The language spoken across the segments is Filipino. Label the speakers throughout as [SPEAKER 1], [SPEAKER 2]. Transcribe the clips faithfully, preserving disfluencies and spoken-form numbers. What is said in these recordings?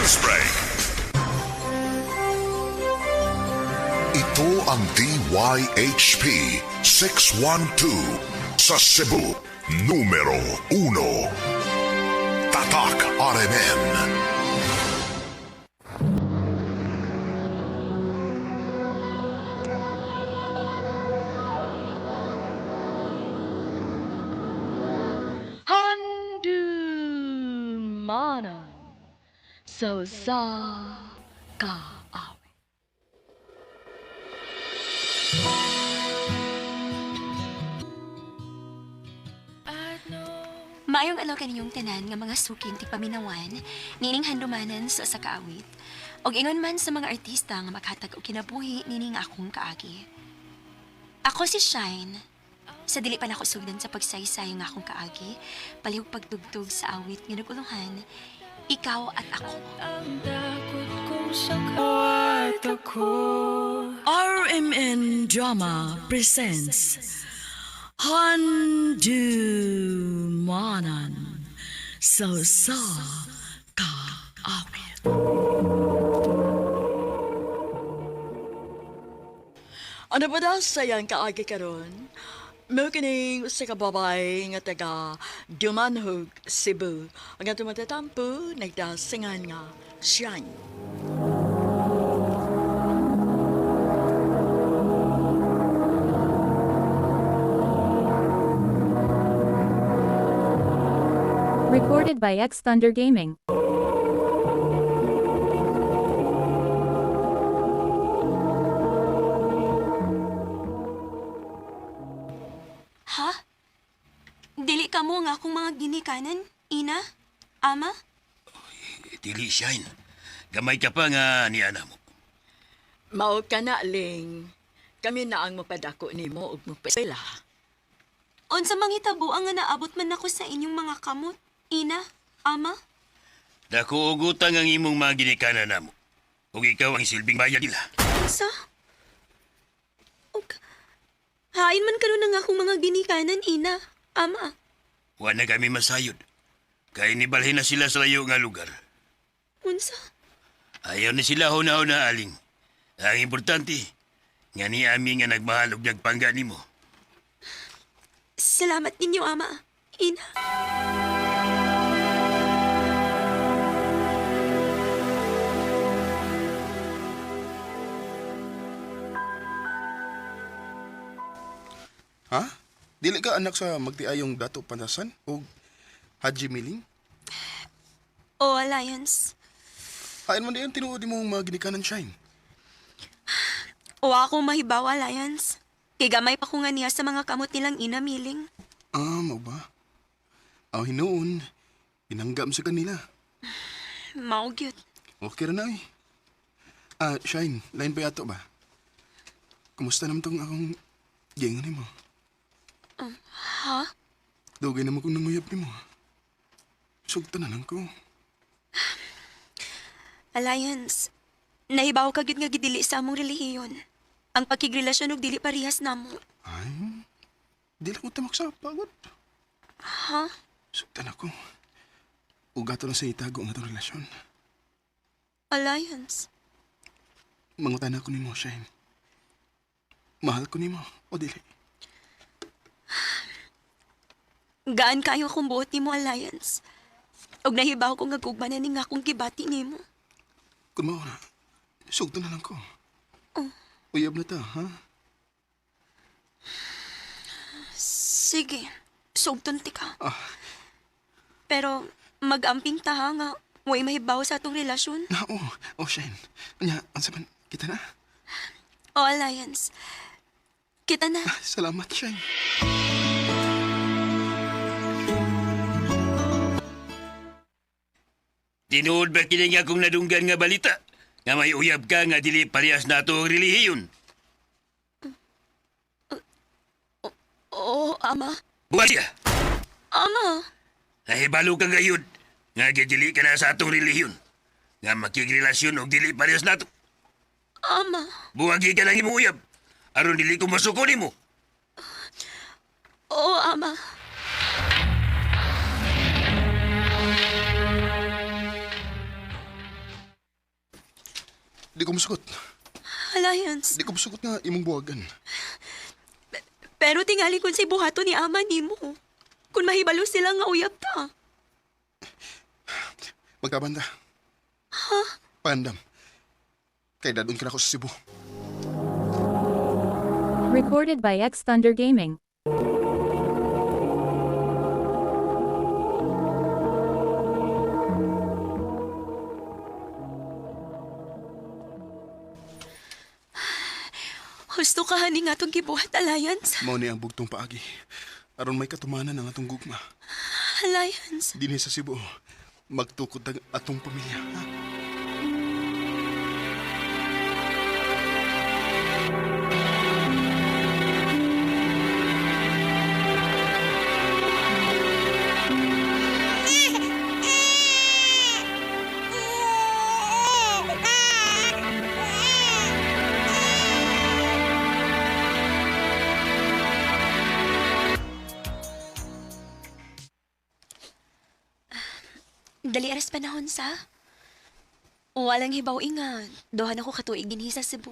[SPEAKER 1] News Break. Ito ang D Y H P six one two sa Cebu, numero uno. Tatak R M N.
[SPEAKER 2] Handumanan so sa kaawit.
[SPEAKER 3] Maayong alaw kaniyong tanan nga mga sukin ti paminawan, nining handumanan sa sa kaawit. Og ingon man sa mga artista nga makhatag og kinabuhi nining akong kaagi. Ako si Shine. Sa dili pa nako sugdan sa pagsaysay nga akong kaagi, palihog pagtugtog sa awit nga naguluhan, ikaw at ako.
[SPEAKER 2] R M N Drama presents Handumanan so sa kaawit. Ano ba daw sayang kaagi karon? Mo kining usa ka babay nga taga Dumanhog, Cebu. Ang atong matatampo nagdasingan nga Shine.
[SPEAKER 4] Recorded by X Thunder Gaming.
[SPEAKER 3] Ha? Dili ka mo nga akong mga ginikanan, ina, ama?
[SPEAKER 5] Dili, Shine. Gamay ka pa nga ni ana mo.
[SPEAKER 2] Mao ka na, Ling. Kami na ang mapadako nimo ug mapasila.
[SPEAKER 3] Unsa manghitabo ang nga naabot man ako sa inyong mga kamot, ina, ama?
[SPEAKER 5] Dako og utang ang imong mga ginikanan namo. Ug ikaw ang silbing bayad nila.
[SPEAKER 3] Unsa? Og hain man karon ang akong mga ginikanan, ina, ama.
[SPEAKER 5] Wa na kami masayod. Kay nibalhin na sila sa layo nga lugar.
[SPEAKER 3] Unsa?
[SPEAKER 5] Ayaw na sila huna-huna aling. Ang importante, nga ni ami nga nagmahalog nagpangga nimo.
[SPEAKER 3] Salamat ninyo, ama, ina.
[SPEAKER 6] Ha? Dili ka anak sa magtiayong Dato Pantasan o Haji Miling?
[SPEAKER 3] O Alliance.
[SPEAKER 6] Hain man diyan tinuod mo mga ginikanan Shine.
[SPEAKER 3] O ako mahibaw, Alliance. Kay gamay pa ko nga niya sa mga kamot nilang ina, Miling.
[SPEAKER 6] Ah, mo ba? Aw hinuon, inanggam sa kanila.
[SPEAKER 3] Mao gyud.
[SPEAKER 6] Okay ra na eh. Ah, Shine, lain pa yato ba? Kumusta naman tong akong gingan mo?
[SPEAKER 3] Ha?
[SPEAKER 6] Dugay naman kong nanguyap ni mo. Sugta na lang ko.
[SPEAKER 3] Alliance, nahibaw ka gyud nga gidili sa among relihiyon. Ang pagkigrelasyon og dili parehas namo.
[SPEAKER 6] Ay, dili ko tamak sa pagod.
[SPEAKER 3] Ha?
[SPEAKER 6] Sugta na ko. Ugato na sa itago ang atong relasyon.
[SPEAKER 3] Alliance.
[SPEAKER 6] Mangutan ako ni mo, Shine. Mahal ko ni mo, o dili?
[SPEAKER 3] Gaan kayo akong buot nimo, Alliance. Og nahibaw ko nga gugmanan ni nga akong gibati nimo.
[SPEAKER 6] Kung mao na, sugta na lang ko.
[SPEAKER 3] Oh.
[SPEAKER 6] Uyab na ta, ha?
[SPEAKER 3] Sige, sugton ti ka.
[SPEAKER 6] Ah,
[SPEAKER 3] Pero mag-amping ta ha nga way mahibaw sa atong relasyon.
[SPEAKER 6] na, oh, oh, Shine. Anya, ang saban, kita na.
[SPEAKER 3] O Alliance, kita na.
[SPEAKER 6] Ah, salamat, Shine.
[SPEAKER 5] Tinuod ba kini nga akong nadunggan nga balita? Nga may uyab ka nga dili parehas na ito ang relihiyon.
[SPEAKER 3] Oo, ama.
[SPEAKER 5] Buwan siya!
[SPEAKER 3] Ama.
[SPEAKER 5] Nahibalo ka gayud nga gidili ka na sa atong relihiyon. Nga makigrelasyon o dili parehas na ito.
[SPEAKER 3] Ama.
[SPEAKER 5] Buwagi ka lang imuyab. Aron dili ko masuko nimo.
[SPEAKER 3] Oo, ama.
[SPEAKER 6] Di ko musugot.
[SPEAKER 3] Alliance.
[SPEAKER 6] Di ko musugot nga imong buwagan.
[SPEAKER 3] Pero tingali kung si buhato ni ama ni mo. Kung mahibalo sila nga uyab ta.
[SPEAKER 6] Magkabanda. Ha? Pandam. Kay dadun ka na ako sa Cebu.
[SPEAKER 4] Recorded by X Thunder Gaming.
[SPEAKER 3] Husto ka hani nga itong gibuhat, Alliance.
[SPEAKER 6] Mao ni ang bugtong paagi. Aron may katumanan ang atong gugma.
[SPEAKER 3] Alliance.
[SPEAKER 6] Dinhi sa Cebu. Magtukod ang atong pamilya. Ha?
[SPEAKER 3] Dali aras panahon sa. Walang hibaw inga. Dohan ako katuig dinhi sa Cebu.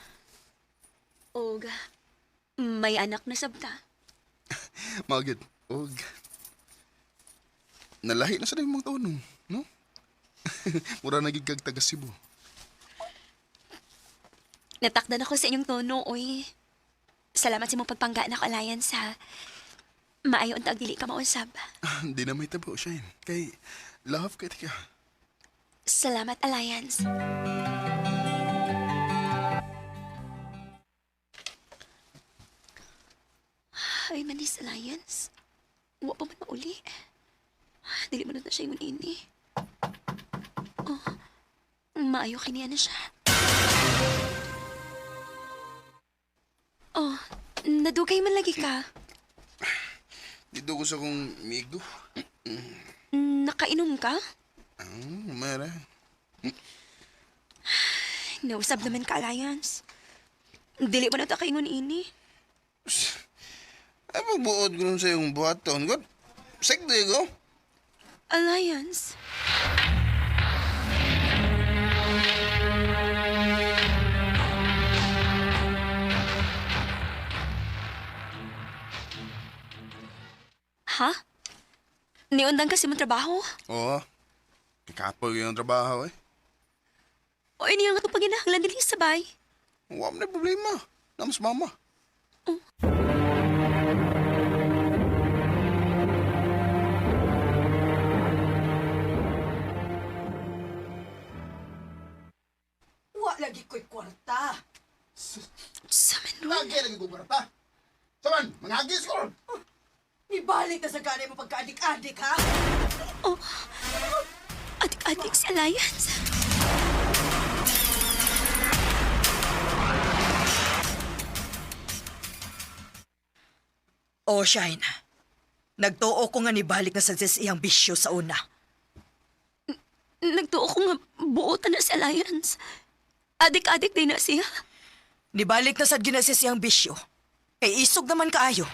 [SPEAKER 3] Og, may anak na sabta.
[SPEAKER 6] Magid. Og. Nalahi na sa mga taon, no? Mura naging kag taga Cebu.
[SPEAKER 3] Natakdan ako sa inyong tono, oy. Salamat sa imong pagpangga na Alliance, ha. Maayo ang tagdili ka mausab.
[SPEAKER 6] Hindi na may tabo, Shine. Kay, love kay tika.
[SPEAKER 3] Salamat, Alliance. Ay, manis, Alliance. Huwag pa man mauli. Dili man na siya yung ini. Oh, maayo kiniya na siya. Oh, nadugay man lagi ka.
[SPEAKER 6] Dito ko sa kong migo.
[SPEAKER 3] Nakainom ka?
[SPEAKER 6] Ah, mara.
[SPEAKER 3] Nausab naman ka, Alliance. Dili mo na ta kaingon ini.
[SPEAKER 6] Ay, magbuod ko nun sa iyong buhaton. God, sekto ko.
[SPEAKER 3] Alliance. Ha? Niundang kasi mong trabaho?
[SPEAKER 6] Oo. Kapoy yung trabaho eh.
[SPEAKER 3] O ini nga itong paginahanglan din sabay?
[SPEAKER 6] Huwag na problema. Namas mama.
[SPEAKER 7] Wa lagi ko'y kwarta.
[SPEAKER 3] Sa man ron?
[SPEAKER 6] Lagi lagi ko berta. Saman, manghagis ko.
[SPEAKER 7] Ibalik na sa gani mo pagka-adik-adik, ha?
[SPEAKER 3] Oh, adik-adik si Alliance.
[SPEAKER 7] O, Shine. Nagtuo ko nga nibalik na sa iyang bisyo sa una.
[SPEAKER 3] Nagtuo ko nga buotan na si Alliance. Adik-adik din na siya.
[SPEAKER 7] Nibalik na sa ginasis iyang bisyo. Kay isog naman kaayo.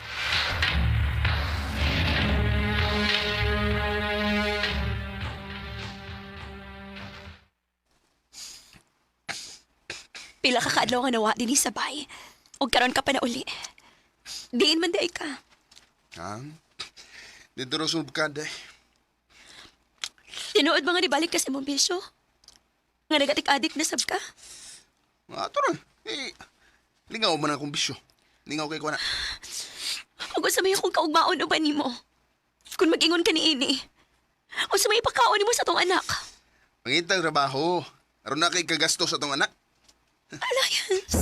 [SPEAKER 3] Pila ka kaadlaw nga nawa din sa bay. O karon ka pa na uli. Diin man day ka.
[SPEAKER 6] Ha? Dito rin sa bukada eh.
[SPEAKER 3] Tinuod ba nga nibalik ka sa mong bisyo? Nga nagatik-adik na sab ka?
[SPEAKER 6] Nga ito rin. Eh, lingaw man akong bisyo. Lingaw kay ko na.
[SPEAKER 3] O sa may akong kaugmaon o ba ni mo? Kung mag-ingon ka ni ini. O sa may pagkaon mo sa tong anak.
[SPEAKER 6] Pangitang trabaho. Aron na kay kagasto sa tong anak.
[SPEAKER 3] Alliance.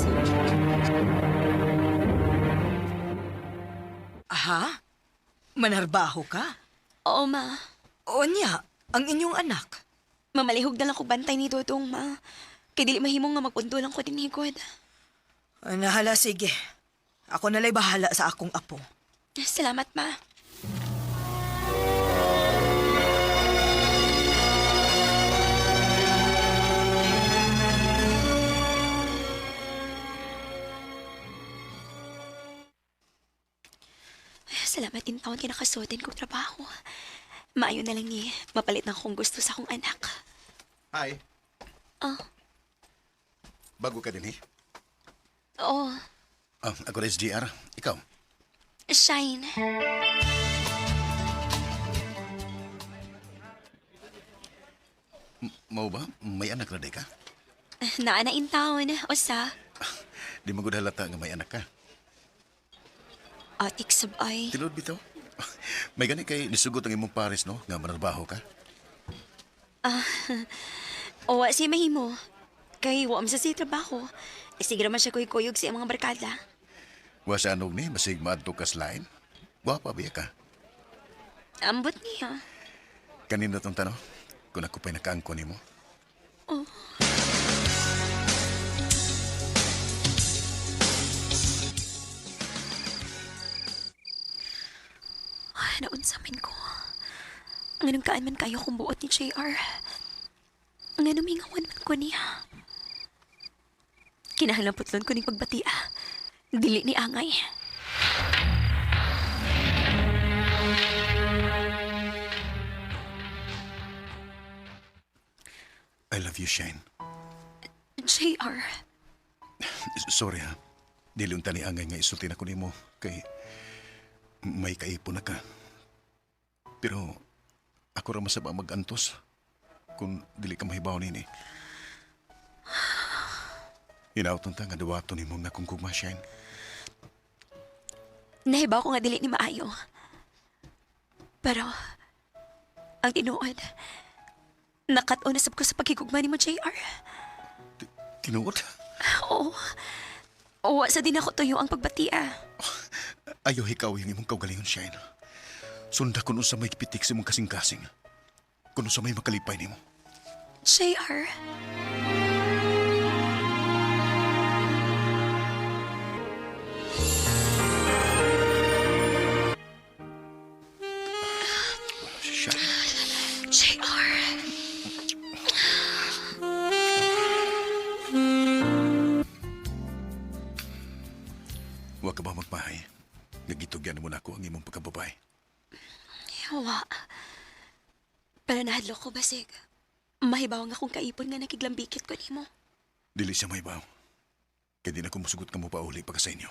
[SPEAKER 7] Aha? Manarbaho ka?
[SPEAKER 3] Oo, ma.
[SPEAKER 7] O niya, ang inyong anak.
[SPEAKER 3] Mamalihog na lang ko bantay ni Dodong, ma. Kay dili mahimong nga magpunto lang ko din higod.
[SPEAKER 7] Ah, Nahala, sige. Ako nalay bahala sa akong apo.
[SPEAKER 3] Salamat, ma. Salamat din taon kinakasuotin kong trabaho. Maayo na lang ni mapalit na akong gusto sa akong anak.
[SPEAKER 6] Hi.
[SPEAKER 3] Oh,
[SPEAKER 8] Bago ka din eh.
[SPEAKER 3] Oo,
[SPEAKER 8] Oh, ako rin si J R. Ikaw?
[SPEAKER 3] Shine.
[SPEAKER 8] Mau ba? May anak na di ka?
[SPEAKER 3] Naa na in town, usa.
[SPEAKER 8] Di mo gud halata nga may anak ka.
[SPEAKER 3] Atik sabay.
[SPEAKER 8] Tinuod bitaw? May gani kay nisugot ang imong pares no? Nga manarbaho ka?
[SPEAKER 3] O wa si mahimo. Kay wa man sa siya trabaho. E sige naman siya kuyog sa mga barkada.
[SPEAKER 8] Wa sa anog ni, basig maadto ka sa lain. Gwapa biya ka.
[SPEAKER 3] Ambot niya.
[SPEAKER 8] Kanina tong tanong, kung ako pa'y nakaangko ni mo.
[SPEAKER 3] Ay, naunsamin ko. Ang kaan man kayo kung buot ni J R. Ang numingawan man ko niya. Kinahanglan putlon ko ni pagbati ah. Dili ni Angay.
[SPEAKER 8] I love you, Shane.
[SPEAKER 3] J R,
[SPEAKER 8] Sorry ha. Dili unta ni angay nga isulti na ko nimo kay may kaipon na ka. Pero ako ra masaba magantos kung dili ka mahibaw nini. Hinauton ta nga duwato nimo nga kung kugma, Shane.
[SPEAKER 3] nahibaw ko nga dili ni maayo. Pero, ang tinuod, nakat-o na sab ko sa pagkikugma ni mo, J R.
[SPEAKER 8] Tinuod?
[SPEAKER 3] Oo. Oo, sa din ako tuyo ang pagbatia.
[SPEAKER 8] Ayaw ikaw yung imong kaugalingon, Shane. Sunda kuno sa may pitik sa imong kasing-kasing. Kuno sa may makalipay nimo.
[SPEAKER 3] J R.
[SPEAKER 8] Shane.
[SPEAKER 3] J R.
[SPEAKER 8] Wa ka ba magpahay? Nagitugyan mo na ako ang imong pagkababay.
[SPEAKER 3] Yawa. Pero nahadlo ko basig. Mahibaw nga akong kaipon nga nakiglambikit ko nimo.
[SPEAKER 8] Dili siya may baw. Kaya di na ko musugot ka mo pa uli pagka sa inyo.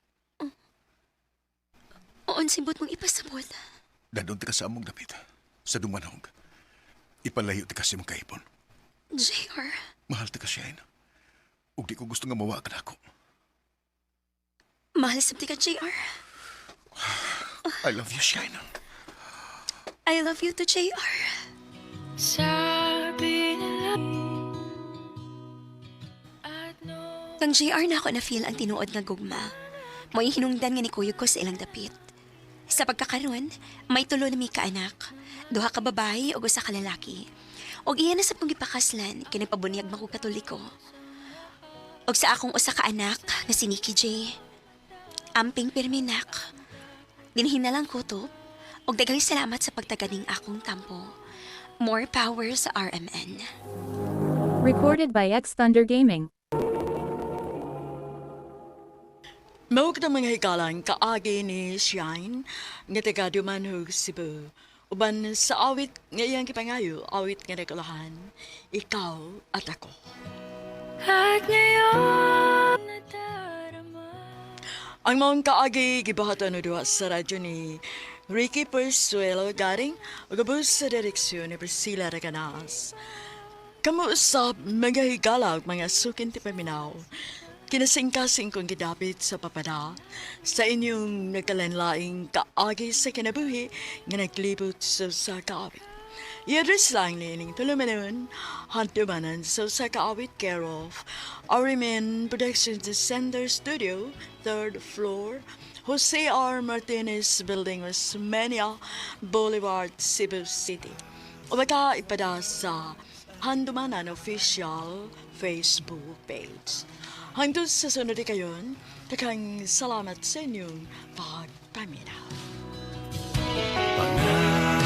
[SPEAKER 3] Oon simbot mong ipasabot.
[SPEAKER 8] Dadon ti ka sa among dapit. Sa dumanog. Ipalayo ti ka sa imong kaipon.
[SPEAKER 3] J R.
[SPEAKER 8] Mahal ti ka, Shane. Ug di ko gusto nga mawa ka na ako.
[SPEAKER 3] Mahal sabti ka, J R.
[SPEAKER 8] I love you, Shane.
[SPEAKER 3] I love you to J R. Kang J R na ako na feel ang tinuod nga gugma. Mo yung hinungdan nga ni kuyog ko sa ilang dapit. Sa pagkakaroon, may tulo na may kaanak. Duha ka babae o usa ka lalaki. Og iyan na sa pong gipakaslan, kinagpabunyag mako katoliko. Og sa akong usa ka anak nga si Nikki J. Amping pirminak. Dinhin na lang ko to. Og daghang salamat sa pagtaganing akong tampo. More power sa R M N.
[SPEAKER 4] Recorded by X Thunder Gaming.
[SPEAKER 2] Mawag na mga hikalang kaagi ni Shine nga taga Dumanhog, Cebu. Uban sa awit nga iyang kipangayo, awit nga nagulahan, ikaw at ako.
[SPEAKER 9] At ngayon nadarama.
[SPEAKER 2] Ang mga kaagi gibahatan na duha sa radyo ni Ricky Persuelo garing ugabos sa direksyon ni Priscilla Reganas. Kamu usab mga higala mga sukin ti paminaw. Kinasingkasing kong gidapit sa papada sa inyong nagkalanlaing kaagi sa kinabuhi nga naglibot sa sa kaawit. I-address lang ni ining tulumanon, hantumanan sa sa kaawit care of Arimen Productions Center Studio, third floor, Jose R. Martinez Building, Osmeña Boulevard, Cebu City. O baka ipada sa Handumanan Official Facebook page. Hangtod sa sunod kayon, takang salamat sa inyong pagpaminaw.